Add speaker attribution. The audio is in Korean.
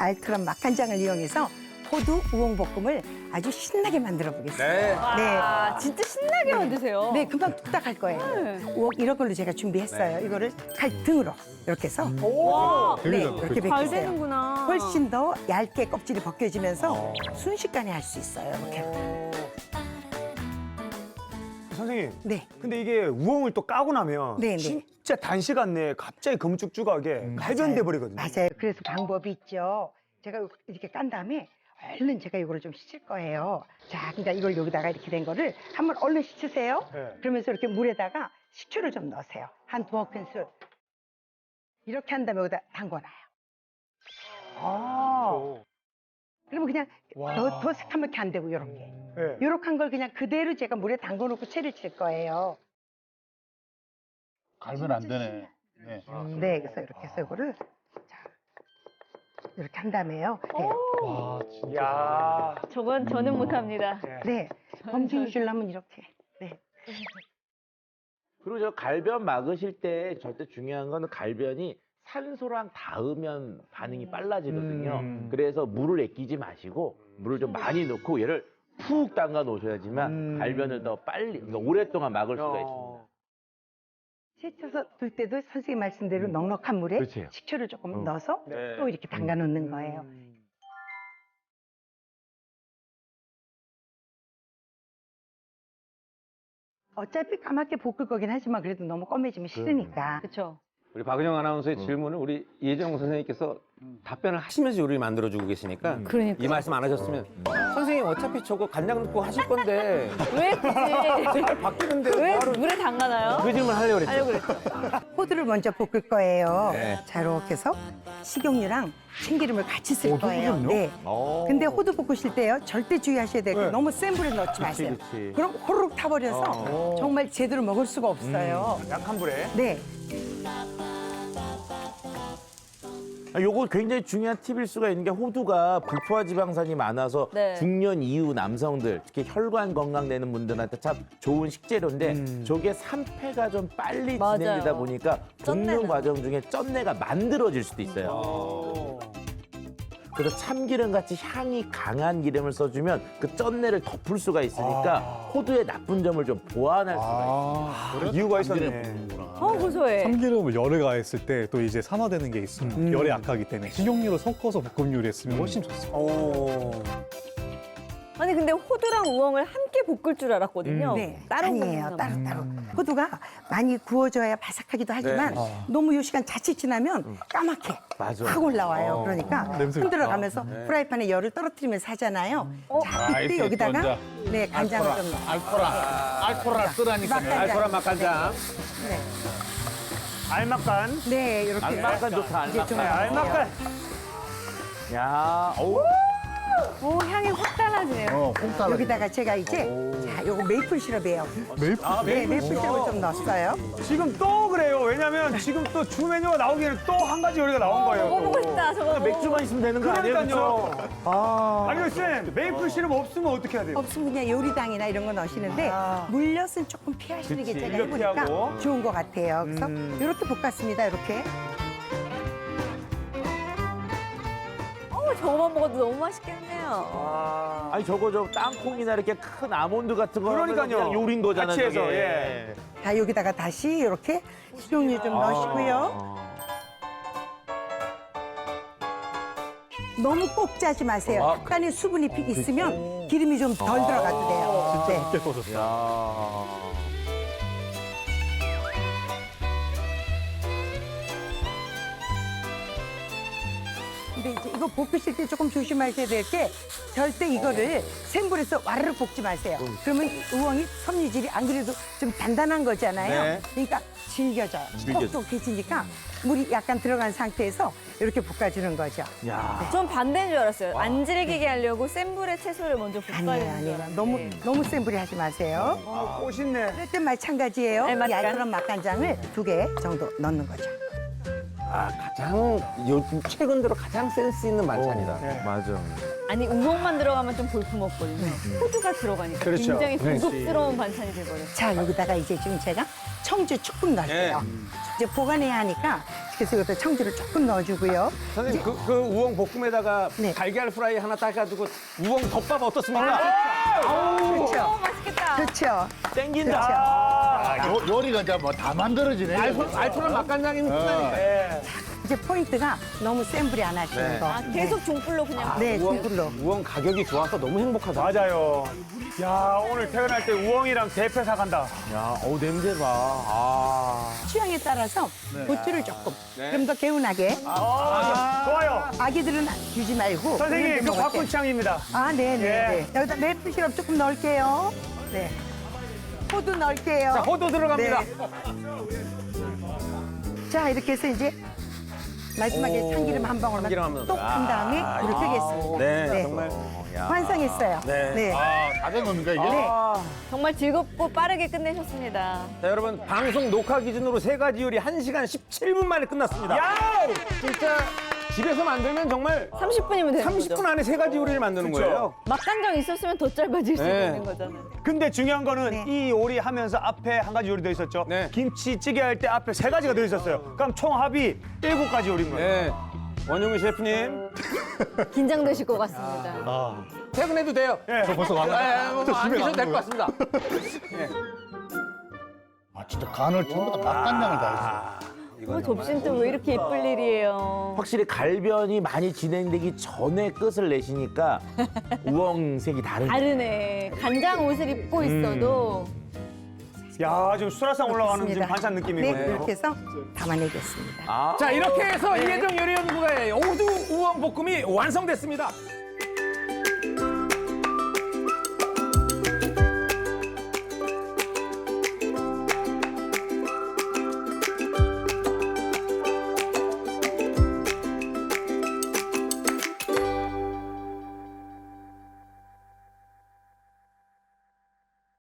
Speaker 1: 알트란 맛간장을 이용해서 호두 우엉볶음을 아주 신나게 만들어 보겠습니다.
Speaker 2: 네.
Speaker 3: 와, 진짜 신나게 만드세요.
Speaker 1: 네, 금방 뚝딱 할 거예요. 우엉 이런 걸로 제가 준비했어요. 이거를 칼 등으로 이렇게 해서
Speaker 3: 와,
Speaker 1: 네, 이렇게
Speaker 3: 잘
Speaker 1: 베끼세요.
Speaker 3: 되는구나.
Speaker 1: 훨씬 더 얇게 껍질이 벗겨지면서 순식간에 할 수 있어요. 이렇게.
Speaker 4: 선생님,
Speaker 1: 네.
Speaker 4: 근데 이게 우엉을 또 까고 나면
Speaker 1: 네, 네.
Speaker 4: 진짜 단시간 내에 갑자기 검쭉쭉하게 발견돼 버리거든요.
Speaker 1: 맞아요. 그래서 방법이 있죠. 제가 이렇게 깐 다음에 얼른 제가 이거를 좀 씻을 거예요. 자, 그러니까 이걸 여기다가 이렇게 된 거를 한번 얼른 씻으세요.
Speaker 4: 네.
Speaker 1: 그러면서 이렇게 물에다가 식초를 좀 넣으세요. 한 2큰술. 이렇게 한 다음에 여기다 담궈놔요.
Speaker 4: 아,
Speaker 1: 그러면 그냥 더 새카맣게 안 되고 이렇게.
Speaker 4: 네.
Speaker 1: 이렇게 한 걸 그냥 그대로 제가 물에 담궈놓고 채를 칠 거예요.
Speaker 2: 갈면 안 되네. 네.
Speaker 1: 네, 그래서 이렇게 해서 이거를 자, 이렇게 한 다음에요. 네.
Speaker 4: 야,
Speaker 3: 저건 저는 못합니다.
Speaker 1: 네. 검증 주려면 이렇게. 네.
Speaker 5: 그리고 저 갈변 막으실 때 절대 중요한 거는 갈변이 산소랑 닿으면 반응이 빨라지거든요. 그래서 물을 아끼지 마시고 물을 좀 많이 넣고 얘를 푹 담가 놓으셔야지만 갈변을 더 빨리, 그러니까 오랫동안 막을 수가 있습니다.
Speaker 1: 세쳐서 둘 때도 선생님 말씀대로 넉넉한 물에
Speaker 5: 그렇죠.
Speaker 1: 식초를 조금 넣어서
Speaker 4: 네.
Speaker 1: 또 이렇게 담가 놓는 거예요. 어차피 까맣게 볶을 거긴 하지만 그래도 너무 검해지면 싫으니까.
Speaker 3: 그렇죠.
Speaker 6: 우리 박은영 아나운서의 질문을 우리 이혜정 선생님께서 답변을 하시면서 요리를 만들어주고 계시니까
Speaker 3: 그러니까.
Speaker 6: 이 말씀 안 하셨으면 선생님 어차피 저거 간장 넣고 하실 건데
Speaker 3: 왜 굳이?
Speaker 6: 색깔 바뀌는데
Speaker 3: 왜
Speaker 6: 바로
Speaker 3: 물에 담가나요?
Speaker 6: 그 질문 하려고 그랬죠.
Speaker 3: 하려고 그랬죠.
Speaker 1: 호두를 먼저 볶을 거예요.
Speaker 6: 네.
Speaker 1: 자, 이렇게 해서 식용유랑 참기름을 같이 쓸 거예요. 네. 근데 호두 볶으실 때요, 절대 주의하셔야 돼요.
Speaker 4: 네.
Speaker 1: 너무 센 불에 넣지 마세요.
Speaker 6: 그치.
Speaker 1: 그럼 호로록 타버려서 정말 제대로 먹을 수가 없어요.
Speaker 4: 약한 불에.
Speaker 1: 네.
Speaker 5: 요거 굉장히 중요한 팁일 수가 있는 게 호두가 불포화 지방산이 많아서
Speaker 3: 네.
Speaker 5: 중년 이후 남성들, 특히 혈관 건강 되는 분들한테 참 좋은 식재료인데 저게 산패가 좀 빨리
Speaker 3: 맞아요.
Speaker 5: 진행되다 보니까
Speaker 3: 쩐내는.
Speaker 5: 볶는 과정 중에 쩐내가 만들어질 수도 있어요. 그래서 참기름 같이 향이 강한 기름을 써주면 그 쩐내를 덮을 수가 있으니까 호두의 나쁜 점을 좀 보완할 수가 있어요.
Speaker 4: 이유가 있었네.
Speaker 3: 고소해.
Speaker 7: 참기름을 열에 가했을 때 또 이제 산화되는 게 있어요. 열에 약하기 때문에 식용유로 섞어서 볶음 요리했으면 훨씬 좋습니다.
Speaker 3: 아니 근데 호두랑 우엉을 함께 볶을 줄 알았거든요.
Speaker 1: 네,
Speaker 3: 따로
Speaker 1: 아니에요.
Speaker 3: 볶나
Speaker 1: 따로
Speaker 3: 봐요.
Speaker 1: 따로. 호두가 많이 구워져야 바삭하기도 하지만 너무 요 시간 자칫 지나면 까맣게
Speaker 5: 맞아.
Speaker 1: 확 올라와요. 그러니까
Speaker 7: 냄새
Speaker 1: 흔들어가면서 프라이팬에 열을 떨어뜨리면서 하잖아요. 자, 이때 여기다가 네 간장을 좀 넣어요.
Speaker 2: 알코라 쓰라니까.
Speaker 1: 맛간장.
Speaker 6: 알코란 맛간장.
Speaker 1: 네,
Speaker 4: 알막간.
Speaker 1: 네, 이렇게
Speaker 5: 알막간 좋다,
Speaker 1: 이제 좀
Speaker 5: 알막간.
Speaker 1: 넣어요.
Speaker 4: 알막간.
Speaker 5: 야, 어우.
Speaker 3: 오 향이 확 달라지네요.
Speaker 2: 콩따라.
Speaker 1: 여기다가 제가 이제 자, 요거 메이플 시럽이에요. 네, 메이플 시럽을 좀 넣었어요.
Speaker 4: 지금 또 그래요. 왜냐면 지금 또 주 메뉴가 나오기 전에 또 한 가지 요리가 나온 거예요.
Speaker 3: 먹어보고 싶다 저거.
Speaker 5: 맥주만 있으면 되는 거 아니에요?
Speaker 4: 그러니까요.
Speaker 5: 그쵸?
Speaker 4: 아니, 쌤, 메이플 시럽 없으면 어떻게 해야 돼요?
Speaker 1: 없으면 그냥 요리당이나 이런 거 넣으시는데 물엿은 조금 피하시는 게
Speaker 4: 그치,
Speaker 1: 제가
Speaker 4: 물엿
Speaker 1: 해보니까
Speaker 4: 피하고.
Speaker 1: 좋은 것 같아요. 그래서 이렇게 볶았습니다. 이렇게.
Speaker 3: 저거만 먹어도 너무 맛있겠네요.
Speaker 5: 아니 저거 저 땅콩이나 이렇게 큰 아몬드 같은 거 하면
Speaker 4: 그러니까요.
Speaker 5: 그냥 요리인 거잖아요.
Speaker 4: 같이 해서,
Speaker 5: 저게.
Speaker 4: 예.
Speaker 1: 자, 여기다가 다시 이렇게 식용유 좀 넣으시고요. 너무 꼭 짜지 마세요. 약간의 수분이 있으면 기름이 좀 덜 들어가도 돼요. 네.
Speaker 7: 쉽게 떠졌어요.
Speaker 5: 야.
Speaker 1: 근데 이제 이거 볶으실 때 조금 조심하셔야 될 게 절대 이거를 센 불에서 와르르 볶지 마세요. 그러면 우엉이 섬유질이 안 그래도 좀 단단한 거잖아요.
Speaker 5: 네.
Speaker 1: 그러니까 질겨져요. 톡톡해지니까 물이 약간 들어간 상태에서 이렇게 볶아주는 거죠.
Speaker 5: 야.
Speaker 3: 전 반대인 줄 알았어요. 안 질기게 하려고 센 불에 채소를 먼저 볶아야
Speaker 1: 아니에요,
Speaker 3: 되는 줄
Speaker 1: 아니에요.
Speaker 3: 알았는데.
Speaker 1: 너무 센 불에 하지 마세요.
Speaker 4: 꽃있네.
Speaker 1: 그럴 땐 마찬가지예요.
Speaker 3: 네,
Speaker 1: 이
Speaker 3: 맛간.
Speaker 1: 알그런 맛간장을 2개 정도 넣는 거죠.
Speaker 6: 가장 요즘 최근 들어 가장 센스 있는 반찬이다.
Speaker 4: 네.
Speaker 5: 맞아.
Speaker 3: 아니 우엉만 들어가면 좀 볼품없거든요. 호두가 들어가니까
Speaker 4: 그렇죠.
Speaker 3: 굉장히
Speaker 4: 그렇지.
Speaker 3: 고급스러운 반찬이 돼버려요.
Speaker 1: 자, 여기다가 이제 지금 제가 청주 조금 넣을게요. 이제 보관해야 하니까 그래서 여기다 청주를 조금 넣어주고요.
Speaker 6: 선생님 그 우엉 볶음에다가
Speaker 1: 네.
Speaker 6: 달걀 프라이 하나 따가지고 우엉 덮밥 어떻습니까?
Speaker 1: 그렇죠.
Speaker 3: 맛있겠다.
Speaker 1: 그렇죠.
Speaker 5: 땡긴다.
Speaker 2: 아, 요리가 이제 뭐 다 만들어지네.
Speaker 6: 알토란 맛간장이면 끝나니까.
Speaker 1: 이제 포인트가 너무 센 불이 안 하시는
Speaker 6: 네.
Speaker 1: 거.
Speaker 3: 아, 계속 중불로 그냥.
Speaker 1: 네, 중불로.
Speaker 6: 우엉 가격이 좋아서 너무 행복하다.
Speaker 4: 맞아요. 야, 오늘 퇴근할 때 우엉이랑 대패 사간다.
Speaker 5: 야, 어우 냄새 봐.
Speaker 1: 취향에 따라서 고추를 조금 좀 더 개운하게.
Speaker 4: 좋아요.
Speaker 1: 아기들은 주지 말고.
Speaker 4: 선생님,
Speaker 1: 어른들
Speaker 4: 그
Speaker 1: 먹을
Speaker 4: 바꾼
Speaker 1: 때.
Speaker 4: 취향입니다.
Speaker 1: 아, 네네.
Speaker 4: 예.
Speaker 1: 네. 여기다 메이플 시럽 조금 넣을게요. 네. 호두 넣을게요.
Speaker 6: 자, 호두 들어갑니다.
Speaker 1: 네. 자, 이렇게 해서 이제 마지막에
Speaker 6: 오,
Speaker 1: 참기름 한 방울만
Speaker 6: 참기름 한 방울.
Speaker 1: 똑 한 다음에 이렇게 하겠습니다.
Speaker 6: 네, 정말.
Speaker 1: 완성했어요.
Speaker 6: 네.
Speaker 1: 네.
Speaker 2: 아, 다 된 겁니까, 이게?
Speaker 1: 네.
Speaker 3: 정말 즐겁고 빠르게 끝내셨습니다.
Speaker 6: 자, 여러분 방송 녹화 기준으로 3가지 요리 1시간 17분 만에 끝났습니다.
Speaker 4: 야!
Speaker 6: 진짜 집에서 만들면 정말
Speaker 3: 30분이면 되는
Speaker 6: 30분
Speaker 3: 거죠.
Speaker 6: 안에 3가지 요리를 만드는
Speaker 4: 그쵸.
Speaker 6: 거예요.
Speaker 3: 맛간장 있었으면 더 짧아질 수
Speaker 6: 네.
Speaker 3: 있는 거잖아요.
Speaker 4: 근데 중요한 거는
Speaker 1: 네.
Speaker 4: 이 요리 하면서 앞에 한 가지 요리 더 있었죠.
Speaker 6: 네.
Speaker 4: 김치찌개 할 때 앞에 3가지가 더 있었어요. 그럼 총 합이 7가지 요리인 거예요.
Speaker 6: 네. 원용희 셰프님
Speaker 3: 긴장되실 것 같습니다.
Speaker 7: 아,
Speaker 6: 퇴근해도 돼요.
Speaker 4: 저
Speaker 7: 벌써 가나요?
Speaker 6: 안 계셔도 될 것 같습니다.
Speaker 2: 아, 진짜 간을 전부 다 맛간장을 다
Speaker 3: 접시는 또 왜 이렇게 예쁠 일이에요.
Speaker 5: 확실히 갈변이 많이 진행되기 전에 끝을 내시니까 우엉색이 다르네.
Speaker 3: 다르네. 간장 옷을 입고 있어도
Speaker 4: 야, 지금 수라상 올라가는 지금
Speaker 1: 그렇습니다.
Speaker 4: 반찬 느낌이고.
Speaker 1: 네, 이렇게 해서 담아내겠습니다.
Speaker 6: 자, 이렇게 해서 이혜정 요리연구가의 호두 우엉 볶음이 완성됐습니다.